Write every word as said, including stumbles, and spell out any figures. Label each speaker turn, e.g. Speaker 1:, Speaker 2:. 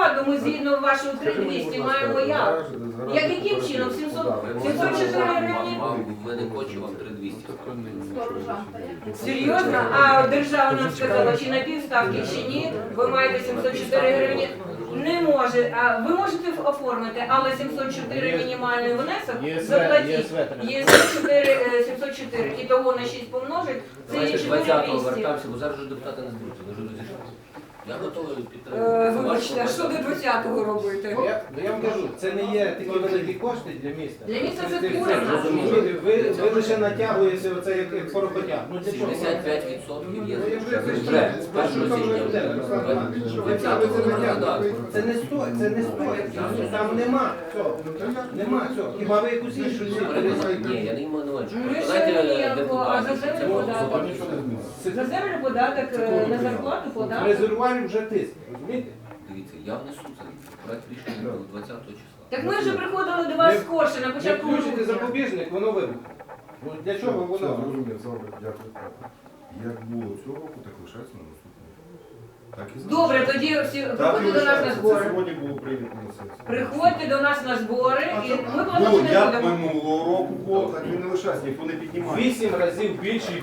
Speaker 1: зарплату ми згідно вашого три тисячі двісті маємо як? Як яким чином? сімсот сімсот чотири гривні?
Speaker 2: Ми не хочемо вам три двісті.
Speaker 1: Серйозно? А держава нам сказала, чи на півставки, чи ні, ви маєте сімсот чотири гривні? Не може. А ви можете оформити, але сімсот чотири мінімальний внесок заплатіть. Є сімсот чотири, і того на шість помножить, це є
Speaker 2: Давайте
Speaker 1: чотири
Speaker 2: двадцятого
Speaker 1: двісті.
Speaker 2: вертався, бо зараз вже депутати не зберуться, вони вже розійшлися. Я готовий
Speaker 1: Е,
Speaker 2: підтримати.
Speaker 1: Вибачте, а що до двадцятого робити?
Speaker 3: Я, ну, я вам кажу, це не є такі великі кошти для міста.
Speaker 1: Для міста це
Speaker 3: Це- це-
Speaker 1: курина.
Speaker 3: це- розумієте, Ви, ви лише натягуєте оце як, як поропотя. Ну для чого?
Speaker 2: сімдесят п'ять відсотків є
Speaker 3: Ну, я вже
Speaker 2: вже,
Speaker 3: вже
Speaker 2: з першого
Speaker 3: там
Speaker 2: січня.
Speaker 3: вже буде, Руслан Іванович.
Speaker 2: двадцятого розглядати.
Speaker 3: Це не стоїть, це не стоїть. Там нема цього. Нема цього. Хіба ви якусь іншу
Speaker 2: Ні, я не маю на увазі.
Speaker 1: Ну, що
Speaker 2: Давайте
Speaker 1: ніякого, а за
Speaker 2: депутатів.
Speaker 1: землю податок? За землю податок, е, на зарплату податок.
Speaker 3: резервуарів вже тиск, розумієте?
Speaker 2: Дивіться, я внесу цей проект рішення двадцятого числа.
Speaker 1: Так ми вже приходили до вас скорше на
Speaker 3: Не
Speaker 1: початку
Speaker 3: включите
Speaker 1: грудня.
Speaker 3: запобіжник, воно вибухне. Ну для чого
Speaker 4: Все,
Speaker 3: воно?
Speaker 4: зрозумів, добре, дякую. Як було цього року, так лишається на наступному. Так і
Speaker 1: Добре,
Speaker 4: залишається.
Speaker 1: тоді всі
Speaker 4: Так і
Speaker 1: приходьте до нас на
Speaker 4: лишається. Це
Speaker 1: збори.
Speaker 4: сьогодні було прийнято на сесії.
Speaker 1: Приходьте до нас на збори і ми
Speaker 4: Ну,
Speaker 1: плануємо не
Speaker 4: як
Speaker 1: будемо.
Speaker 4: минулого року було, так і не лишається, ніхто не піднімає.
Speaker 3: Вісім разів більший